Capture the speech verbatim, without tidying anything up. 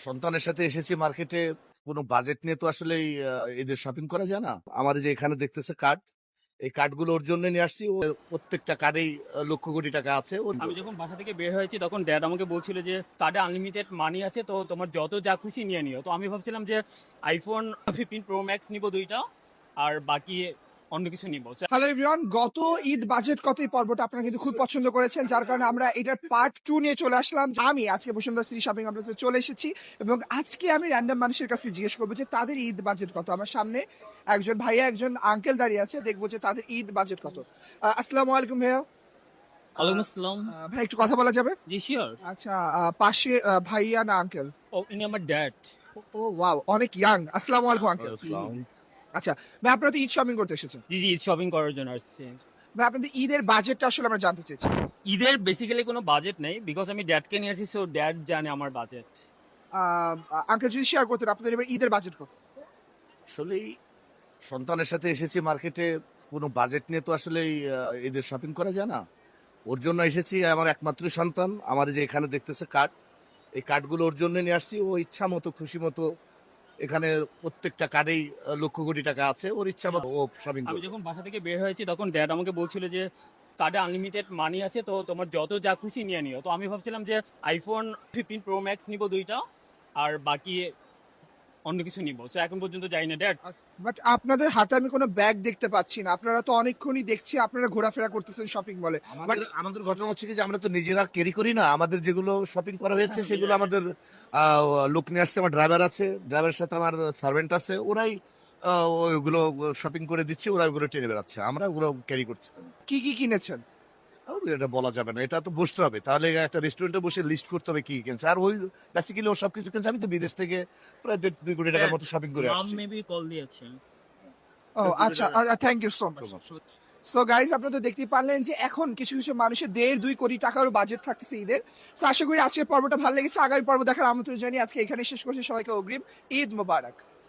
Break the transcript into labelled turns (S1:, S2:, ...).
S1: সন্তানের সাথে এসেছি মার্কেটে। কোনো বাজেট নিয়ে তো আসলে এই, আহ, ঈদের শপিং করা যায় না। আমার এই যে এখানে দেখতেছে কার্ড, এই কার্ডগুলো ওর জন্য নিয়ে আসছি। ও প্রত্যেকটা কার্ডেই আহ, লক্ষ কোটি টাকা আছে ওর।
S2: আমি যখন বাসা থেকে বের হয়েছি তখন ড্যাড আমাকে বলছিল যে কার্ডে আনলিমিটেড মানি আছে, তো তোমার যত যা খুশি নিয়ে নিও। তো আমি ভাবছিলাম যে আইফোন ফিফটিন প্রো ম্যাক্স নিব দুইটা, আর বাকি অন্য কিছু নিব।
S3: হ্যালো এভরিওয়ান, গত ঈদ বাজেট কত এই পর্বটা আপনারা কিন্তু খুব পছন্দ করেছেন, যার কারণে আমরা এটার পার্ট টু নিয়ে চলে আসলাম। আমি আজকে বসুন্ধরা সিটি শপিং কমপ্লেক্সে চলে এসেছি এবং আজকে আমি র্যান্ডম মানুষের কাছে জিজ্ঞেস করবো যে তাদের ঈদ বাজেট কত। আমার সামনে একজন ভাইয়া একজন আঙ্কেল দাঁড়িয়ে আছে, দেখবো যে তাদের ঈদ বাজেট কত। আহ, আসসালামু আলাইকুম ভাইয়া।
S2: ওয়ালাইকুম আসসালাম।
S3: আহ, ভাই একটু কথা বলা যাবে?
S2: জি শিওর।
S3: আচ্ছা, আহ, পাশে আহ, ভাইয়া না আঙ্কেল?
S2: ও ইনি আমার ড্যাড।
S3: ও ওয়াও, অনেক ইয়াং। আসসালামু আলাইকুম আঙ্কেল।
S1: আসসালাম।
S3: আচ্ছা ভাই, আপনারা তো ঈদ শপিং করতে এসেছেন।
S2: জি জি, শপিং করার জন্য আসছি।
S3: ভাই আপনাদের ঈদের বাজেটটা আসলে আমরা জানতে চাইছি।
S2: ঈদের বেসিক্যালি কোনো বাজেট নেই, বিকজ আমি ড্যাডকে নিয়ে আসছি, সো ড্যাড জানে আমার বাজেট।
S3: আঙ্কেল যদি শেয়ার করতেন আপনাদের এবার ঈদের বাজেট কত?
S1: আসলে এই সন্তানের সাথে এসেছি মার্কেটে। কোনো বাজেট নিয়ে তো আসলে এই, আহ, ঈদের শপিং করা যায় না। ওর জন্য এসেছি। আমার একমাত্র সন্তান। আমার এই যে এখানে দেখতেছে কার্ড, এই কার্ডগুলো ওর জন্য নিয়ে আসছি। ও ইচ্ছা মতো খুশি মতো এখানে প্রত্যেকটা কার্ডেই আহ, লক্ষ কোটি টাকা আছে। ওর ইচ্ছা মতো ও শপিং
S2: আমি
S1: করবে।
S2: যখন বাসা থেকে বের হয়েছি তখন ড্যাড আমাকে বলছিল যে কার্ডে আনলিমিটেড মানি আছে, তো তোমার যত যা খুশি নিয়ে নিও। তো আমি ভাবছিলাম যে আইফোন ফিফটিন প্রো ম্যাক্স নিব দুইটা, আর বাকি অন্য কিছু নিব। তো এখন পর্যন্ত যাই না ড্যাড।
S3: বাট আপনাদের হাতে আমি কোনো ব্যাগ দেখতে পাচ্ছি না। আপনারা তো অনেকক্ষণই দেখছি আপনারা ঘোরাফেরা করতেছেন শপিং মলে। বাট
S1: আমাদের আমাদের ঘটনা হচ্ছে কি যে আমরা তো নিজেরা ক্যারি করি না। আমাদের যেগুলো শপিং করা হয়েছে সেগুলো আমাদের আহ, লোক নিয়ে আসছে। আমার ড্রাইভার আছে, ড্রাইভারের সাথে আমার সার্ভেন্ট আছে। ওরাই আহ, ওইগুলো শপিং করে দিচ্ছে, ওরা ওগুলো টেনে বেড়াচ্ছে, আমরা ওগুলো ক্যারি করছি না।
S3: কি কি কিনেছেন?
S1: আর এটা বলা যাবে না, এটা তো বসতে হবে। তাহলে একটা রেস্টুরেন্টে বসে লিস্ট করতে হবে কি কি কিনছে। আর ওই বেসিক্যালি ও সবকিছু কিনছে। আমি তো বিদেশ থেকে প্রায় দেড় দুই কোটি টাকার মতো শপিং করে
S2: মাম
S1: আসছি।
S2: মেবি কল দিয়েছে।
S3: ও আচ্ছা, thank you so much. So guys, আপনারা তো দেখতেই পারলেন যে এখন কিছু কিছু মানুষের দেড় দুই কোটি টাকারও বাজেট থাকতেছে ঈদের। সো আশা করি আজকের পর্বটা ভালো লেগেছে। আগামী পর্ব দেখার আমন্ত্রণ জানিয়ে আজকে এখানে শেষ করছি। সবাইকে অগ্রিম ঈদ মোবারক।